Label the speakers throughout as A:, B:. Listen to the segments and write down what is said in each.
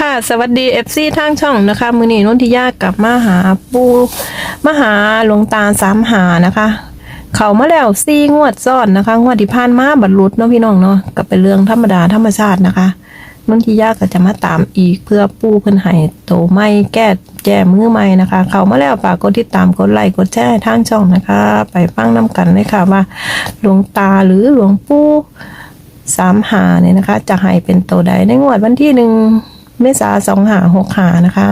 A: ค่ะสวัสดีFCทางช่องนะคะมื้อนี้นนทิยากลับมาหาปูมาหาหลวงตาสามหานะคะ เขามาแล้ว4 งวดซ้อนนะคะงวดที่ผ่านมาบรรลุเนาะพี่น้องเนาะก็เป็นเรื่องธรรมดาธรรมชาตินะคะนนทิยาก็จะมาตามอีกเพื่อปูเพิ่นให้โตใหม่แก้มือใหม่นะคะ เขามาแล้วฝากกดติดตามกดไลค์กดแชร์ทางช่องนะคะ ไปฟังนํกันเลยค่ะว่าหลวงตาหรือหลวงปู่สามหาเนี่ยนะคะ จะให้เป็นโตใดในงวดวันที่1 เมษายน2565นะคะ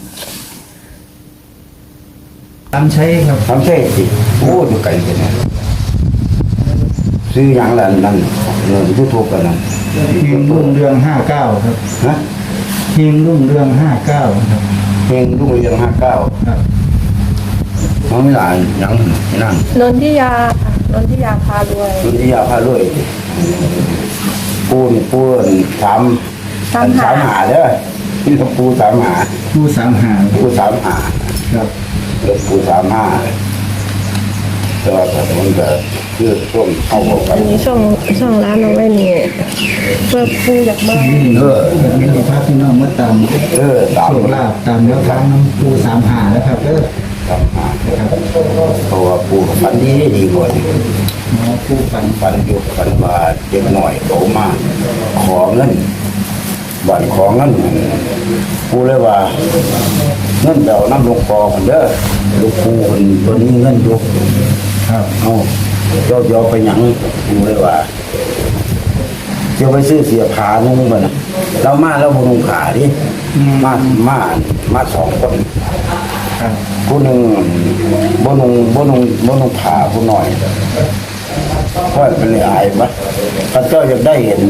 B: ทำใช้ครับ
C: ทำใช่สิโอ้ดูไกลกันนะซื้ออย่างละนั่นเงินยูทูบกันนั่น
B: เฮงรุ่งเรือง59ครับ
C: ฮะ
B: เฮงรุ่งเรือง59ครับ
C: เพลงรุ่งเรือง59
B: ครับ
C: มันไม่หลายอย่างนั่น
A: นนทิยาพารวย
C: รุ่นที่ยาพาลุยปูนี่ปูสามหาเด้อที่เขาปูสามหา
B: ผู้สามหา
C: ปูสามหา
B: ครับ
C: เลือกปู35แต่ว่าแต่มันก็คือช่วงเข้าบอกกั
A: อั
C: น
A: นนี้ช่องร้านเอาไว้นี่เพื่อปูอยากมา
B: แบบนี้พระพี่น้องมาตาม
C: ตาม
B: โชคลาภตามแล้วทางน้ำผู้สามหานะครับเด้อ
C: ตามหา
B: ครับ
C: เพราะว่าปูฝันดีกว่านี่
B: หมอผู้ปัน
C: ฝันอยู่ฝันว่าเด็กหน่อยเขามาขอเงินบัตรของเงินกูเลยว่าเงินเดาน้ำหลวงพ่อคนเด้อลูกปูคนตัวนี้เงินอยู่
B: ครับ
C: เอาเจ้าไปหยังกูเลยว่าเจ้าไปซื้อเสียผานุ่งมันน่ะเรามาแล้วบุญขาดิมา2 คน
B: ครับ
C: ผู้หนึ่งบ่นุงผ่าผู้หน่อยค่อยเป็นเลยอายปะข้าเจ้าอยากได้เห็น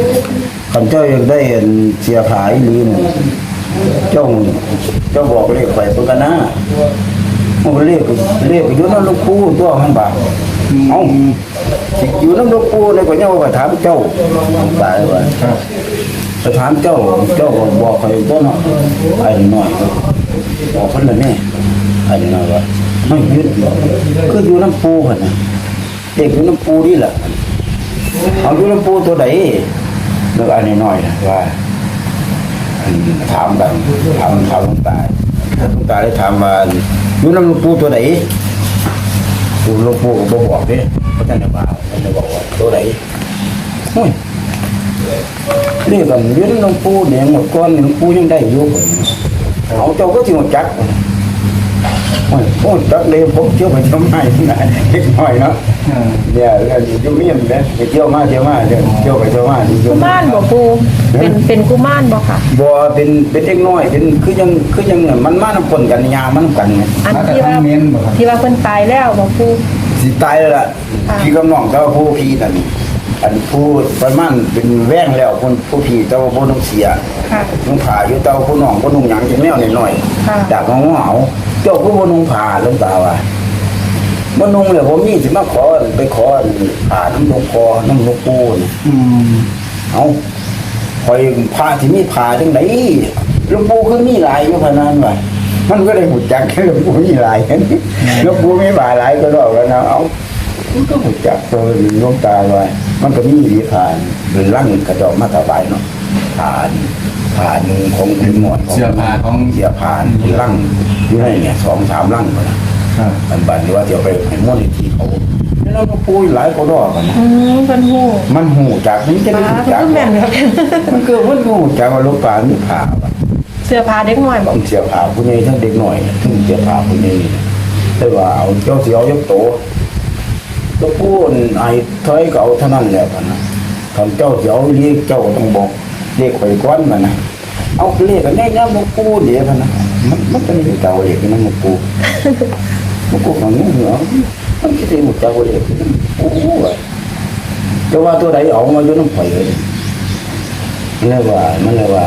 C: เสียผายลืมเจ้าบอกเลขไปเพิ่นกันนะมันเลขอยู่นำหลวงปู่ตัวมันบาเอ้าสิอยู่นำหลวงปู่เลยก็ยังว่าถามเจ้าตายว่า
B: ครับ
C: ไปถามเจ้าก็บอกใครตัวเนาะไอ้น้อยก็บอกเพิ่นละแน่ไอ้น้อยว่าไม่ยึดคืออยู่น้ำปูหั่นน่ะเด็กอยู่น้ำปูนี่แหละเอาอยู่น้ำปูตัวใดแล้วไอ้น้อยนะว่าถามกันถามหลวงตาได้ถามว่าอยู่น้ำหลวงปูตัวใดหลวงปู่ก็บ่บอกเด้เพราะท่านได้บอกว่าตัวใดโอ้ย นี่ก็ยืนหลวงปู่เนี่ยหมดก้อนหลวงปู่ยังได้อยู่เอาเจ้าก็ที่หมดจักโอ้ยจักเลยผมเที่ยวไปเที่ยวมาที่ไหนเล็กน้อยเนาะเนี่ยเรื่องอยู่มีอย่างนี้ไปเที่ยวมาเที่ยวไปเที่ยวมา
A: กุมารบ่ปูเป็นกุมารบ่ค่ะ
C: บ่เป็นเล็กน้อยเป็นคือยังมันมานำคนกันยามันกันไง
A: อันที่ว่าเพิ่นตายแล้วบ่ปู
C: สิตายแล้วล่ะพี่กำน้องเจ้าผู้พี่นั่นอันผู้ประมาณเป็นแว่งแล้วคนผู้พี่เจ้าบ่ต้องเสีย
A: ค่ะ
C: นุ่งผ้าอยู่เต้าผู้น้องผู้นุ่งหยังจังแนวหน่อย
A: ค่ะ
C: จากของเหงาเจ้าผู้บ่นุ่งผ้าหลวงตาว่าบ่นุ่งเลยผมมีสิมาขอไปขอผ้าน้ำหลวงพ่อน้ำหลวงปู่นี่ เอาคอยผ้าที่มีผ้าจังได๋หลวงปู่คือมีหลายอยู่พะนั้นว่ามันก็ได้หูจักหลวงปู่มีหลายหลวงปู่มีผ้าหลายก็ดอกแล้วนะเอามันก็หูจักตัวหลวงตาว่ามันก็มีดีผ้าเป็นลังกระดอกมาถวายเนาะผ้าหนึงของคุณหมอ
B: เสื้อผ้าของ
C: เสียผ่านที่ลั่งอยู่ในเนี่ย2-3ลั่งก็นะครับ อันบัดนี้ว่าเดี๋ยวไปให้มูลนิธิเขาแล้วเราก็ปูหลายคนรอกันนะ
A: เพิ่นฮู้
C: มันหูจากมันจะได้
A: ป้า
C: หู
A: เพิ่
C: จาก
A: นแม่นครับ
C: มันคือมันหูจากว่าลูกปลามีผ่าว่ะ
A: เสื้อผ้าเด็กน้อยบ่
C: ต้องเสียผ่าผู้ใหญ่ทั้งเด็กหน่อยทั้งเสียผ่าผู้ใหญ่แต่ว่าเอาเจ้าเสียวยกโตตัวผู้ไอ้ถอยเก่าเท่านั้นแหละนะคำเจ้าเสียวเรียกเจ้าก็ต้องบอกเรียกข่อยก้อนมันนะเอาเรียกกันแน่นะหลวงปู่เดี๋ยวนะมันเป็นเจ้าเรียกนะหลวงปู่หลวงปู่ของนี้เหรอมันจะเป็นเจ้าเรียกนะโอ้ยจะว่าตัวใดออกมาอยู่น้ำไฟเลยมันเลยว่า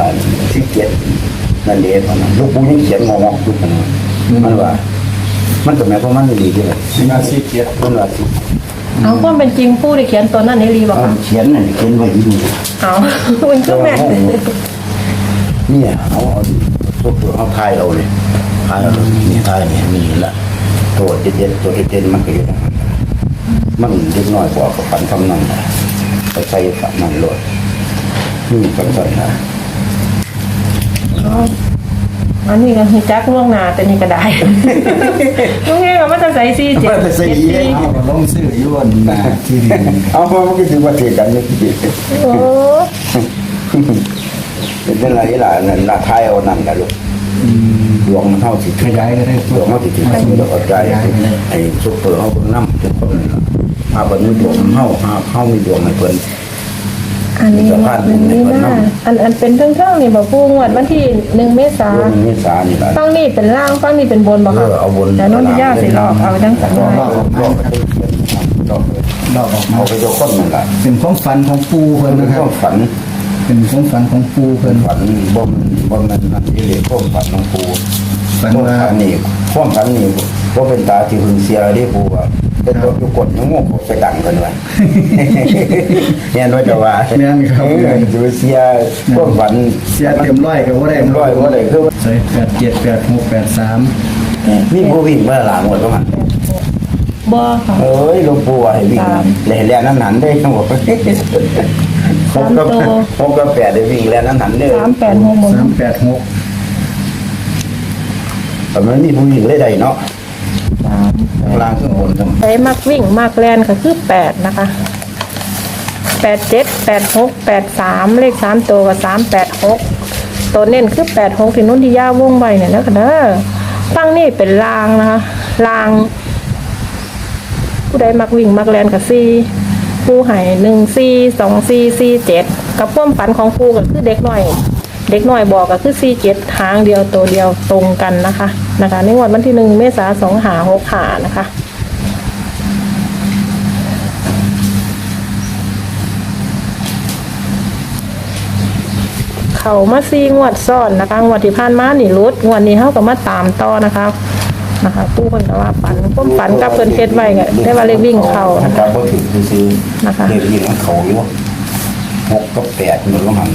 C: 17นั่นเองนะหลวงปู่ยังเขียนงอๆอยู่นะมันว่ามันก็แม้เพราะมันดีด้วย
B: มาซีเกียรติ
C: มันว่าสิ
A: เอาความเป็นจริงปูได้เขียนตัวนั้นในรีบ่
C: เอา
A: ค่ะ
C: เขียนนั่นเขียนไว้อยู่
A: เอาเพิ่นก็แม่น
C: เนี่ยเอาตัวเอาทายเอาเลยทายเอานี่ทายนี่มีละตัวเด็ดมันก็อยู่มันเล็กน้อยกว่ากับฝันคำนั้นไปใส่ฝันมันโลดนี่ฝันใส่นะ
A: อันนี้ก็คือจักล่วงหน้าแต่นี่ก็ได้ ลุงเองก็มาจะใส่ซีเจ็ด
C: มาแต่ใส่อีเอง
B: เอาก็ลงซื้ออยู่อันน่ะที่ดิน
C: เอามามันก็ถือว่าเทียกันนี่
A: โอ้
C: เป็นอะไรล่ะนั่นละท้ายเอานั่นล่ะลูกดวงมันเท่าสิ
B: ขยายก็ได้
C: ดวงเท่าสิถึงเดี๋ยวเข้าใจไอ้ซุปเปอร์เฮาเพิ่นนำทุกคนนี่ล่ะมาเพิ่นมีดวงเฮามีดวงให้เพิ่น
A: อันนี้น่าอันเป็นเท่งๆนี่บอกผู้งวดวันที่1 เมษาย
C: ดวง
A: น
C: เมษานี่ล่ะ
A: ฟังนี่เป็นล่างฟังนี่เป็นบนบอกค่ะ
C: เอาบน
A: แต่น้องที่ย่าสิลอกเอาทั้งสัง
C: ร
A: หา
C: อบไปเขียนรอบ
B: ลอกออกมา
C: เอาไปตัวคนนั่นล่ะ
B: เป็นความฝันของปูเพิ่น
C: เป็น
B: นะค
C: ครับ วามฝัน
B: เป็นความฝันของปู
C: เป็
B: เพิ่
C: น
B: น
C: ฝันบ่มันนั่นที่เรียกความฝันของปู่
B: ฝัน
C: ความ
B: ว่า
C: ฝันนี่ความฝันนี่บ่เป็นตาที่หึงเสียได้ปู่ว่าเป็นตัวอยู่กดยังงงไปดังกันว่าเนี่ยน้อยจะว่า
B: แม่นครับ
C: ดูเสียความฝัน
B: เสียเต็มร้อยก็บ่ได้
C: เต็มร้อยบ่ได้คือ
B: ใส่878683
C: มีผู้วิ่งมาหลังหมดว่ามัน
A: บ่ค่ะ
C: เอ้ยหลวงปู่ว่าให้วิ่งแล่นนั้นหันได้ทั้งหมดผมก็แปดได้วิ่งแล่นนั้นหันได้
A: 386หมด
B: 386
C: แต่มันมีผู้วิ่งได้เนาะ
A: 3
C: ข้างล่างข้างบนทั้ง
A: ใช้มักวิ่งมักแลนก็คือ8นะคะ87 86 83เลข3ตัวก็386ตัวเน้นคือ86ที่นุ่นที่ย่าวงไว้เนี่ยนะคะเด้อฟังนี่เป็นรางนะคะราง ผู้ใดมักวิ่งมักแลนกับ4ผู้ให้1 4 2 4 4 7กับความฝันของผู้ก็คือเด็กน้อยบอกก็คือ4 7หางเดียวตัวเดียวตรงกันนะคะในงวดวันที่1 เมษายน2565นะคะเขามา4 งวดซ้อนนะคะงวดที่ผ่านมานี่รุดงวดนี้เฮาก็มาตามต่อนะคะผู้คนก็ว่าฝันความฝันกับเพิ่นเฮ็ดไว้ก็ได้ว่าเลขวิ่งเข้านะ
C: ครั
A: คะ
C: บบ่ถึงซื้อ
A: นะคะ
C: เลขวิ่งมันเข้าอยู่6กับ8มันลงหัน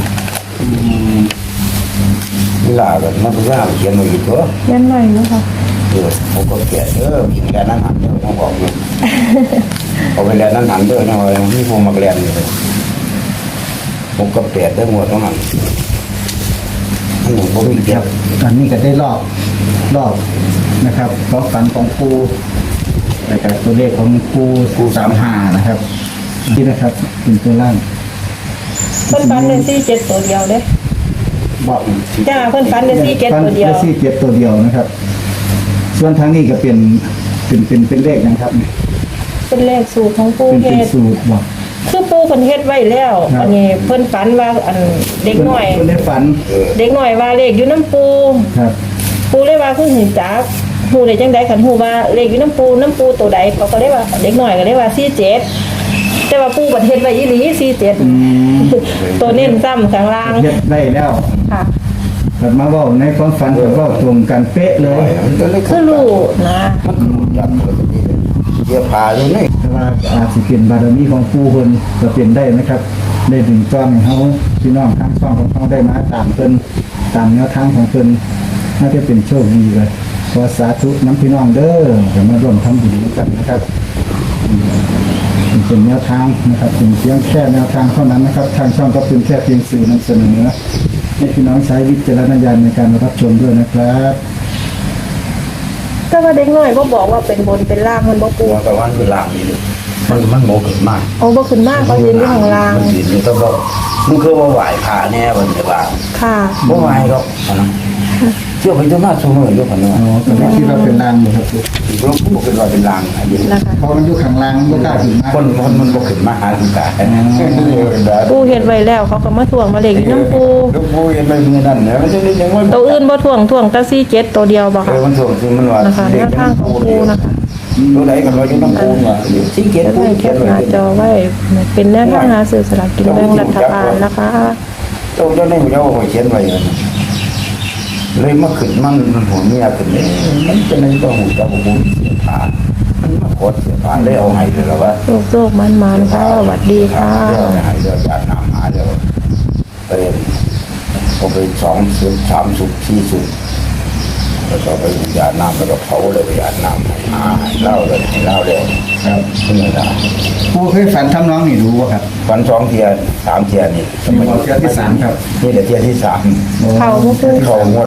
C: เวลาแบบมันก็ว่าเขียนไว้อยู่ตัว
A: ยันไว้นะคะ
C: 6กับ8วิ่งแล่นนั้นหันเด้อต้องบอกอยู่เอาไปแล่นนั้นหันเด้อนะว่ามีผู้มักแล่นอยู่6กับ8ได้หมดต้องหันอันนี้บ่มีเปรียบ
B: อันนี้ก็ได้รอบนะครับความฝันของปูแล้วก็ตัวเลขของปู35นะครับนี่นะครับเป็นตัวล่าง
A: เพิ่นฝันเป็น47ตัวเดียวเด้
B: บอก
A: จ้าเพิ่นฝันเป็น47ตัวเดียว
B: ซี่เจ็ดตัวเดียวนะครับ ส่วนทางนี้ก็เป็นเลขนะครับ
A: เป็นเลขสูตรของปู
B: เป็น
A: เฮ็ด
B: สูตรบอก
A: คือปูเพิ่นเฮ็ดไว้แล้ว
B: ครับ
A: อันนี้เพิ่นฝันว่าอันเด็กน้อย
B: คนได้ฝัน
A: เด็กน้อยว่าเลขอยู่น้ำปู
B: ครับ
A: ปูเลยว่าคือหิจักฮู้ได้จังได๋คันฮู้ว่าเลขอยู่น้ำปูตัวใดเขาก็เลยว่าเด็กน้อยก็เลยว่า47แต่ว่าปูบัดเฮ็ดไว้อีหลี47ตัวเน้นซ้ำข้างล่าง
B: เฮ็ดได้แล้ว
A: ค่ะ
B: แต่มาเว่าในความฝันก็เว้าตรงกันเป๊ะเลย
C: มันก็เลย
A: คือรู้นะ
C: มันจับเลยนี่เยียพาเลยนี่
B: แต่ว่าอาจสิเป็นบารมีของปู่เพิ่นก็เป็นได้นะครับ ได้ดึงต้อนให้เฮาพี่น้องทางช่องของเฮาได้มาตามเพิ่นตามแนวทางของเพิ่นน่าจะเป็นโชคดีเลยขอสาธุน้ำพี่น้องเด้อจะมาร่วมทำบุญกันนะครับเป็นแนวทางนะครับเป็นเพียงแค่แนวทางเท่านั้นนะครับ ทางช่องก็เป็นแค่เพียงสื่อนำเสนอให้พี่น้องใช้วิจารณญาณในการรับชมด้วยนะครับ
A: แต่ว่าเด็กน้อยบ่บอกว่าเป็นบนเป็นล่างมันบ่ปู
C: ตัวกับวันคือล่างนี่เลยมันโมขึ้นมาก
A: เอาบ่ขึ้นมากก็ยืนอยู่ข้างล่าง
C: มันยืนอยู่ต้องบอกมันคือว่าไหวขาแน่วันจะว่า
A: ค่ะ
C: บ่ไหวหรอกนะเชื่อไปจนมาสมืออยู่กันว่า
B: อ๋อแต่ว่าที่เราเป็นลางอยู่ครับ
C: หลวงปู่เป็นว่าเป็นลางอันนี้
A: นะคะ
B: เพราะมันอยู่ข้างล่างไม่กล้าถึงมาก
C: คนมันบ่ขึ้นมาหาทางกาย
A: ปูเฮ็ดไว้แล้วเขาก็มาทวงมาเลขอยู่น้ำปู
C: หลวงปู่ยังไม่มีนั่นนะมันจะได้ยังว่า
A: ตัวอื่นบ่ทวงแต่47ตัวเดียวบ่ค่ะ
C: มันส่งซึ่งมันว่า
A: นะคะแนวทางของปูนะคะ
C: ตัวไหนกันว่าอยู่น้ำปูว่าสิเกียรติ
A: จะ
C: ปู
A: ได้แค
C: เขีย
A: ป
C: นไว้
A: หน้าจอไว้เป็นแนวทางหาซื้อสลากกินแบ่งรัฐบาลนะคะ
C: ตรงเจ้านี่มันเอาเขียนไว้เลยมาขึ้นมันหัวเมียขึ้นเลยมันจะในตัวหูเจ้าบุญเสียผ่ามันมาโคตรเสียผ่าเลยเอาให้เลยว่า
A: โชคมันๆค่ะสวัสดีค่ะ
C: เดี๋ยวให้เดี๋ยวจากน้ำหาเดี๋ยวไปเอาไป2 สุด3 สุด4 สุดแล้วก็ไปหยาดน้ำแล้วก็เผาเลยไปหยาดน้ำเล่าเลยเล่าเลย
B: ครับ
C: นี่นะ
B: ปูเคยฝันทำน้องนี่รู้ป่ะครับ
C: วัน2 เทียน3 เทียนนี่
B: นี่บอกเที่ยวที่ 3ครับ
C: นี่เดี๋ยวเทียนที่ 3
A: เขาบ่ปู
C: เขาหมด